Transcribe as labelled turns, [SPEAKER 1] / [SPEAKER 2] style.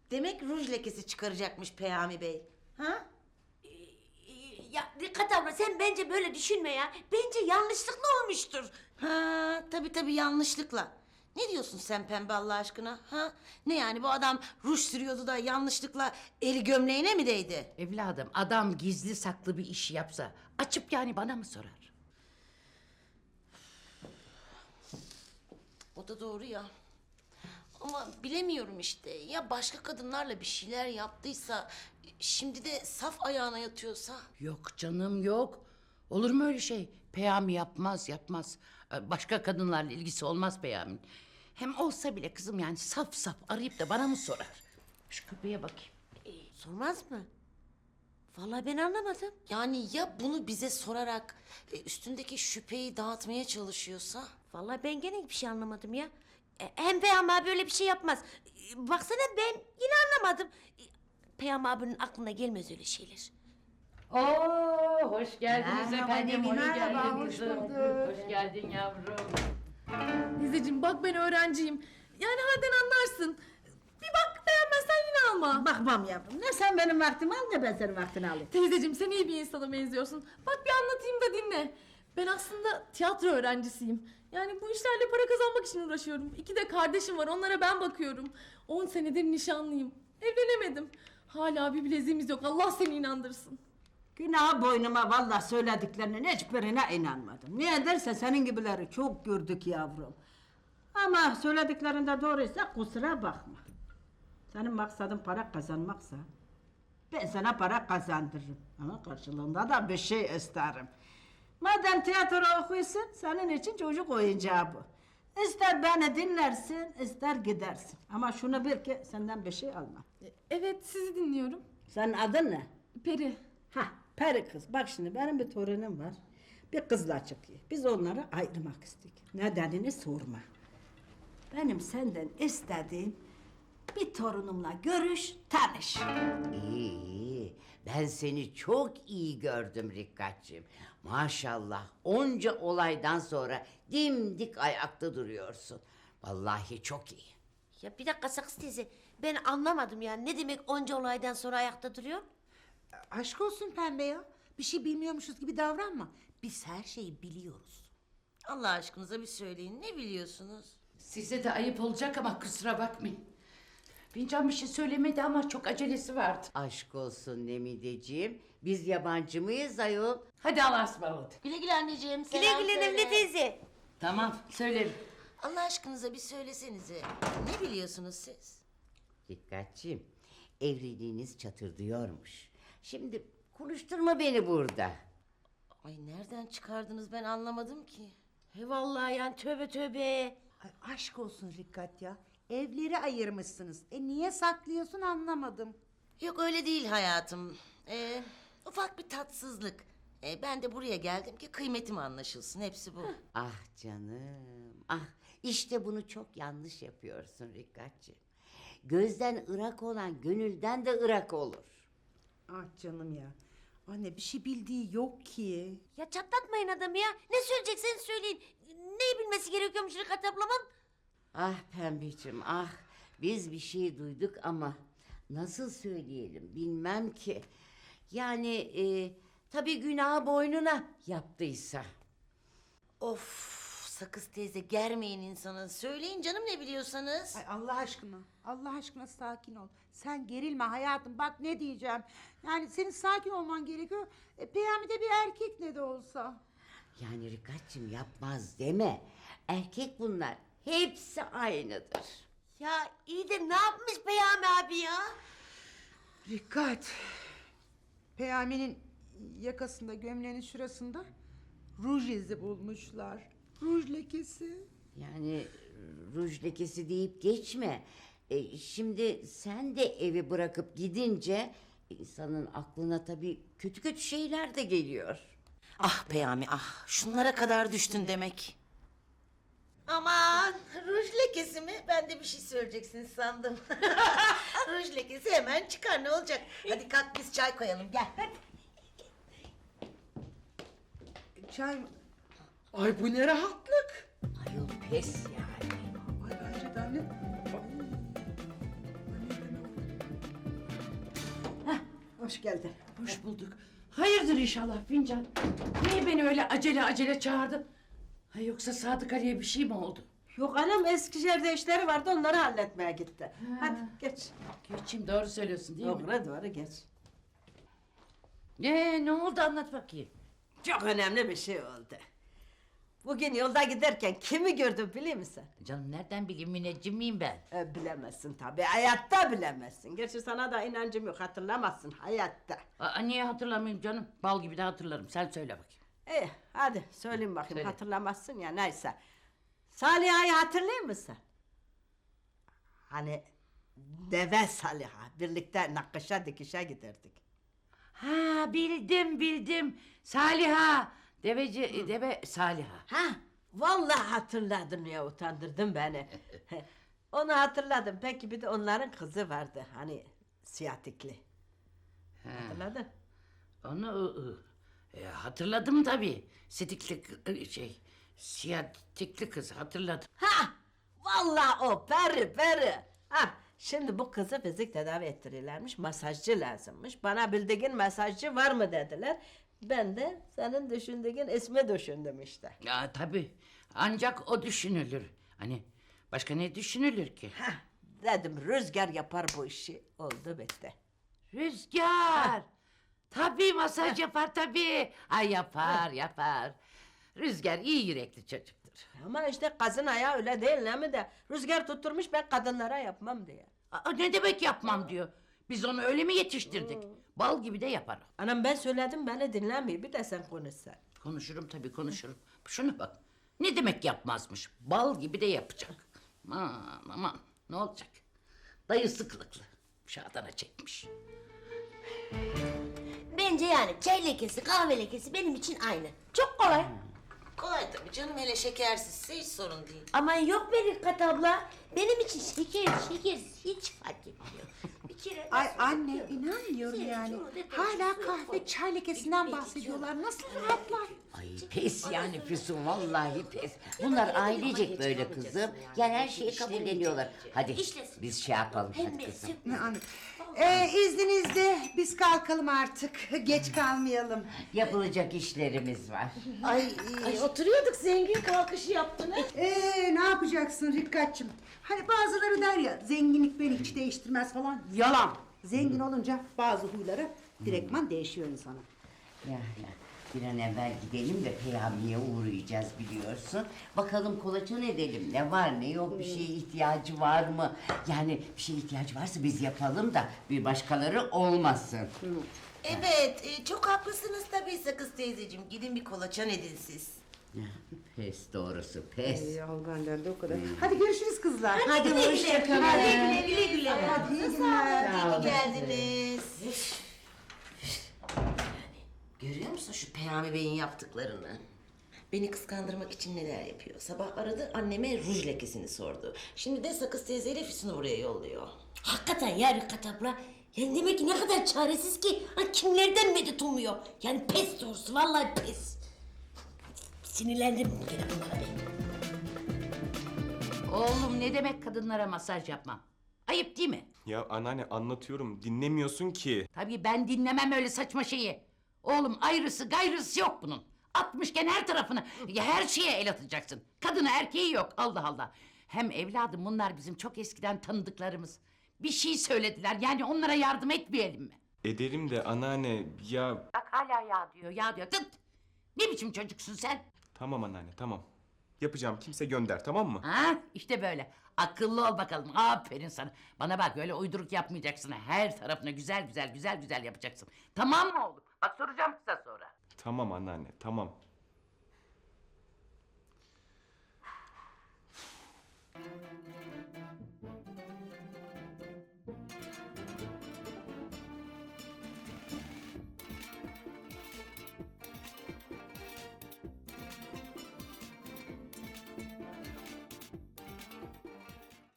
[SPEAKER 1] Demek ruj lekesi çıkaracakmış Peyami Bey. Ha?
[SPEAKER 2] Ya Rikkat abla sen bence böyle düşünme ya. Bence yanlışlıkla olmuştur.
[SPEAKER 1] Ha, tabii yanlışlıkla. Ne diyorsun sen Pembe Allah aşkına? Ha? Ne yani bu adam ruj sürüyordu da yanlışlıkla eli gömleğine mi değdi?
[SPEAKER 3] Evladım adam gizli saklı bir iş yapsa açıp yani bana mı sorar?
[SPEAKER 1] O da doğru ya. Ama bilemiyorum işte. Ya başka kadınlarla bir şeyler yaptıysa... ...şimdi de saf ayağına yatıyorsa...
[SPEAKER 3] Yok canım yok. Olur mu öyle şey? Peyami yapmaz. Başka kadınlarla ilgisi olmaz Peyami'nin. Hem olsa bile kızım yani saf arayıp da bana mı sorar? Şu köpeğe bakayım.
[SPEAKER 2] Sormaz mı? Vallahi ben anlamadım.
[SPEAKER 1] Yani ya bunu bize sorarak üstündeki şüpheyi dağıtmaya çalışıyorsa?
[SPEAKER 2] Vallahi ben gene bir şey anlamadım ya. Hem Peyami abi öyle bir şey yapmaz. Baksana ben yine anlamadım. Peyami abinin aklına gelmez öyle şeyler.
[SPEAKER 3] Oo, hoş geldiniz
[SPEAKER 4] Merhaba
[SPEAKER 3] efendim.
[SPEAKER 4] Demir,
[SPEAKER 3] Hoş
[SPEAKER 4] merhaba,
[SPEAKER 3] geldin
[SPEAKER 4] hoş
[SPEAKER 3] kızım.
[SPEAKER 4] bulduk.
[SPEAKER 3] Hoş geldin yavrum.
[SPEAKER 5] Teyzeciğim bak ben öğrenciyim. Yani halden anlarsın. Bir bak beğenmezsen yine alma.
[SPEAKER 4] Bakmam yavrum. Ne sen benim vaktimi al ne ben senin vaktini alayım.
[SPEAKER 5] Teyzeciğim sen iyi bir insana benziyorsun. Bak bir anlatayım da dinle. Ben aslında tiyatro öğrencisiyim. Yani bu işlerle para kazanmak için uğraşıyorum. 2 de kardeşim var onlara ben bakıyorum. 10 senedir nişanlıyım. Evlenemedim. Hala bir bileziğimiz yok Allah seni inandırsın.
[SPEAKER 4] Günah boynuma vallahi söylediklerinin hiçbirine inanmadım. Niye derse senin gibileri çok gördük yavrum. Ama söylediklerinde doğruysa kusura bakma. Senin maksadın para kazanmaksa ben sana para kazandırırım. Ama karşılığında da bir şey isterim. Madem tiyatro okuyorsun senin için çocuk oyuncağı bu. İster beni dinlersin ister gidersin. Ama şunu bil ki senden bir şey almam.
[SPEAKER 5] Evet sizi dinliyorum.
[SPEAKER 4] Senin adın ne?
[SPEAKER 5] Peri.
[SPEAKER 4] Ha, peri kız. Bak şimdi benim bir torunum var. Bir kızla çıkıyor. Biz onları ayırmak istedik. Nedenini sorma. Benim senden istediğim bir torunumla görüş, tanış.
[SPEAKER 6] İyi. Ben seni çok iyi gördüm Rikkatçığım. Maşallah onca olaydan sonra dimdik ayakta duruyorsun. Vallahi çok iyi.
[SPEAKER 2] Ya bir dakika Sakız teyze. Ben anlamadım yani. Ne demek onca olaydan sonra ayakta duruyor?
[SPEAKER 7] Aşk olsun Pembe ya. Bir şey bilmiyormuşuz gibi davranma. Biz her şeyi biliyoruz.
[SPEAKER 1] Allah aşkınıza bir söyleyin. Ne biliyorsunuz?
[SPEAKER 3] Size de ayıp olacak ama kusura bakmayın. Bincan bir şey söylemedi ama çok acelesi vardı.
[SPEAKER 6] Aşk olsun Nemideciğim. Biz yabancı mıyız ayol?
[SPEAKER 3] Hadi Allah'a ısmarladık.
[SPEAKER 1] Güle güle anneciğim.
[SPEAKER 2] Güle
[SPEAKER 1] selam
[SPEAKER 2] güle
[SPEAKER 1] söyle.
[SPEAKER 2] Nemli teyze.
[SPEAKER 3] Tamam söylerim.
[SPEAKER 1] Allah aşkınıza bir söylesenize. Ne biliyorsunuz siz?
[SPEAKER 6] Rikkatçığım, evliliğiniz çatırdıyormuş. Şimdi konuşturma beni burada.
[SPEAKER 1] Ay nereden çıkardınız ben anlamadım ki.
[SPEAKER 2] He vallahi yani tövbe.
[SPEAKER 7] Ay, aşk olsun Rikkat ya. Evleri ayırmışsınız. Niye saklıyorsun anlamadım.
[SPEAKER 1] Yok öyle değil hayatım. Ufak bir tatsızlık. Ben de buraya geldim ki kıymetim anlaşılsın. Hepsi bu.
[SPEAKER 6] Ah canım, ah işte bunu çok yanlış yapıyorsun Rikkatçığım. Gözden ırak olan gönülden de ırak olur.
[SPEAKER 7] Ah canım ya. Anne bir şey bildiği yok ki.
[SPEAKER 2] Ya çatlatmayın adamı ya. Ne söyleyecekseniz söyleyin. Neyi bilmesi gerekiyormuş Rikkat ablamın?
[SPEAKER 6] Ah Pembeciğim ah biz bir şey duyduk ama nasıl söyleyelim bilmem ki. Yani tabii günahı boynuna yaptıysa.
[SPEAKER 1] Of Sakız teyze germeyin insanı. Söyleyin canım ne biliyorsanız.
[SPEAKER 7] Ay Allah aşkına. Allah aşkına sakin ol. Sen gerilme hayatım. Bak ne diyeceğim. Yani senin sakin olman gerekiyor. Peyami de bir erkek ne de olsa.
[SPEAKER 6] Yani Rikatçığım yapmaz deme. Erkek bunlar hepsi aynıdır.
[SPEAKER 2] Ya iyi de ne yapmış Peyami abi ya?
[SPEAKER 7] Rikkat. Peyami'nin yakasında gömleğinin şurasında ruj izi bulmuşlar. Ruj lekesi.
[SPEAKER 6] Yani ruj lekesi deyip geçme. Şimdi sen de evi bırakıp gidince insanın aklına tabii kötü kötü şeyler de geliyor.
[SPEAKER 1] Ah Peyami ah. Şunlara kadar düştün demek. Aman ruj lekesi mi? Ben de bir şey söyleyeceksiniz sandım. Ruj lekesi hemen çıkar ne olacak? Hadi kalk biz çay koyalım gel. Hadi.
[SPEAKER 7] Çay mı? Ay bu ne rahatlık.
[SPEAKER 6] Ayol pes yani.
[SPEAKER 7] Ay bence de anne. Ay. Anne,
[SPEAKER 4] hoş geldin.
[SPEAKER 3] Hoş bulduk. Hayırdır inşallah Fincan? Niye beni öyle acele acele çağırdın? Ha, yoksa Sadık Ali'ye bir şey mi oldu?
[SPEAKER 4] Yok anam Eskişehir'de işleri vardı onları halletmeye gitti. Hadi geç.
[SPEAKER 3] Geçeyim, doğru söylüyorsun değil mi?
[SPEAKER 4] Doğru geç.
[SPEAKER 3] Ne oldu, anlat bakayım.
[SPEAKER 4] Çok önemli bir şey oldu. Bugün yolda giderken kimi gördüm biliyor musun?
[SPEAKER 3] Canım nereden bileyim, müneccim miyim ben?
[SPEAKER 4] Bilemezsin tabii, hayatta bilemezsin. Gerçi sana da inancım yok, hatırlamazsın hayatta.
[SPEAKER 3] Niye hatırlamayayım canım? Bal gibi de hatırlarım, sen söyle bakayım.
[SPEAKER 4] İyi, hadi söyleyeyim bakayım,
[SPEAKER 3] Söyle.
[SPEAKER 4] hatırlamazsın ya neyse. Saliha'yı hatırlıyor musun? Hani deve Saliha, birlikte nakışa dikişe giderdik.
[SPEAKER 3] Ha, bildim. Saliha. Deve Saliha.
[SPEAKER 4] Ha, vallahi hatırladım ya, utandırdın beni. Onu hatırladım, peki bir de onların kızı vardı, hani siyatikli. Hatırladın?
[SPEAKER 3] Onu hatırladım tabii. Siyatikli kız hatırladım.
[SPEAKER 4] Ha! Vallahi o peri. Ha! Şimdi bu kızı fizik tedavi ettiriyorlarmış, masajcı lazımmış. Bana bildiğin masajcı var mı dediler. Ben de senin düşündüğün ismi düşündüm işte.
[SPEAKER 3] Ya tabii. Ancak o düşünülür. Hani başka ne düşünülür ki?
[SPEAKER 4] Ha! Dedim Rüzgar yapar bu işi. Oldu bitti.
[SPEAKER 3] Rüzgar. Tabii masaj yapar tabii. Ay yapar. Rüzgar iyi yürekli çocuktur.
[SPEAKER 4] Ama işte kazın ayağı öyle değil ne mi de. Rüzgar tutturmuş ben kadınlara yapmam diye.
[SPEAKER 3] Ne demek yapmam diyor. Biz onu öyle mi yetiştirdik? Bal gibi de yapar o.
[SPEAKER 4] Anam ben söyledim beni dinlemiyor. Bir de sen konuşsan.
[SPEAKER 3] Konuşurum tabii, konuşurum. Şuna bak. Ne demek yapmazmış? Bal gibi de yapacak. Aman ne olacak? Dayısı kılıklı. Şadana çekmiş.
[SPEAKER 2] Bence yani çay lekesi, kahve lekesi benim için aynı. Çok kolay.
[SPEAKER 1] Kolay tabii canım, hele şekersizse hiç sorun değil.
[SPEAKER 2] Aman yok be Rikkat abla. Benim için şeker hiç fark etmiyor. Bir kere
[SPEAKER 7] Ay
[SPEAKER 2] nasıl
[SPEAKER 7] anne
[SPEAKER 2] yapıyorum?
[SPEAKER 7] inanmıyorum
[SPEAKER 2] Sen
[SPEAKER 7] yani.
[SPEAKER 2] şunu de-
[SPEAKER 7] Hala
[SPEAKER 2] şunu
[SPEAKER 7] kahve
[SPEAKER 2] koy.
[SPEAKER 7] çay lekesinden
[SPEAKER 2] Ekmek
[SPEAKER 7] bahsediyorlar. Nasıl rahatlar?
[SPEAKER 6] Ay pes yani Füsun, vallahi pes. Bunlar ailecek böyle kızım. Yani her şeyi kabulleniyorlar. Hadi
[SPEAKER 2] İşlesin.
[SPEAKER 6] biz şey yapalım
[SPEAKER 2] Hem
[SPEAKER 6] hadi
[SPEAKER 2] de
[SPEAKER 6] kızım.
[SPEAKER 7] Ne anne? İzninizle biz kalkalım artık. Geç kalmayalım.
[SPEAKER 6] Yapılacak işlerimiz var.
[SPEAKER 1] Ay, oturuyorduk, zengin kalkışı yaptın ha.
[SPEAKER 7] Ne yapacaksın Rikkatçığım? Hani bazıları der ya zenginlik beni hiç değiştirmez falan. Yalan. Zengin olunca bazı huyları direktman değişiyor insana.
[SPEAKER 6] Ya bir an evvel gidelim de Peyami'ye uğrayacağız biliyorsun. Bakalım kolaçan edelim. Ne var ne yok, bir şeye ihtiyacı var mı? Yani bir şeye ihtiyacı varsa biz yapalım da bir başkaları olmasın.
[SPEAKER 1] Evet, çok haklısınız tabii Sakız teyzeciğim. Gidin bir kolaçan edin siz.
[SPEAKER 6] Pes doğrusu pes.
[SPEAKER 7] Al benden de o kadar. Hadi görüşürüz kızlar.
[SPEAKER 6] Hadi hoşçakalın.
[SPEAKER 1] Güle.
[SPEAKER 7] Hadi iyi günler.
[SPEAKER 1] İyi ki geldiniz. Görüyor musun şu Peyami Bey'in yaptıklarını? Beni kıskandırmak için neler yapıyor. Sabah aradı, anneme ruj lekesini sordu. Şimdi de Sakız teyzeyle Füsun'u buraya yolluyor.
[SPEAKER 2] Hakikaten ya Rikkat abla. Yani demek ki ne kadar çaresiz ki. Ha, kimlerden medet umuyor. Yani pes doğrusu, vallahi pes. Sinirlendim gene bunlara ben.
[SPEAKER 3] Oğlum ne demek kadınlara masaj yapmam? Ayıp değil mi?
[SPEAKER 8] Ya anneanne anlatıyorum, dinlemiyorsun ki.
[SPEAKER 3] Tabii ben dinlemem öyle saçma şeyi. Oğlum ayrısı gayrısı yok bunun. Atmışken her tarafını, ya her şeye el atacaksın. Kadını erkeği yok, Allah Allah. Hem evladım bunlar bizim çok eskiden tanıdıklarımız. Bir şey söylediler, yani onlara yardım etmeyelim mi?
[SPEAKER 8] Ederim de anneanne ya...
[SPEAKER 3] Bak hala ya diyor. Tıt! Ne biçim çocuksun sen?
[SPEAKER 8] Tamam anneanne tamam. Yapacağım, kimse gönder, tamam mı?
[SPEAKER 3] Ha işte böyle. Akıllı ol bakalım. Aferin sana. Bana bak öyle uyduruk yapmayacaksın. Her tarafına güzel yapacaksın. Tamam mı oğlum? Bak soracağım kısa sonra.
[SPEAKER 8] Tamam anneanne tamam.